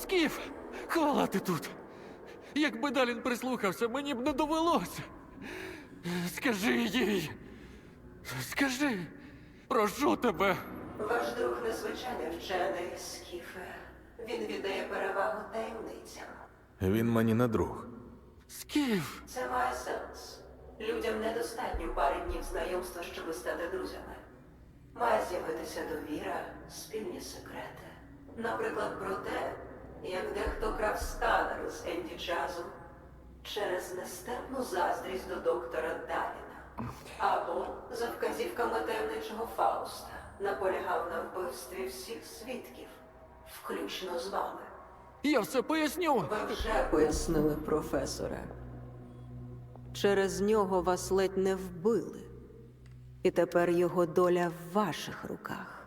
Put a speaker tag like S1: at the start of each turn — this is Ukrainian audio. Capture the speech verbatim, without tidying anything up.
S1: Скіф! Хвала ти тут! Якби Далін прислухався, мені б не довелося. Скажи їй. Скажи. Прошу тебе.
S2: Ваш друг незвичайний вчений, Скіфе. Він віддає перевагу таємницям.
S3: Він мені не друг.
S1: Скіф!
S2: Це має сенс. Людям недостатньо пари днів знайомства, щоб стати друзями. Має з'явитися довіра, спільні секрети. Наприклад, про те, як дехто крав сканер з Енді Чазом через нестерпну заздрість до доктора Даліна. Або за вказівками таємничого Фауста наполягав на вбивстві всіх свідків, включно з вами.
S1: Я все поясню.
S2: Ви вже пояснили, професоре. Через нього вас ледь не вбили. І тепер його доля в ваших руках.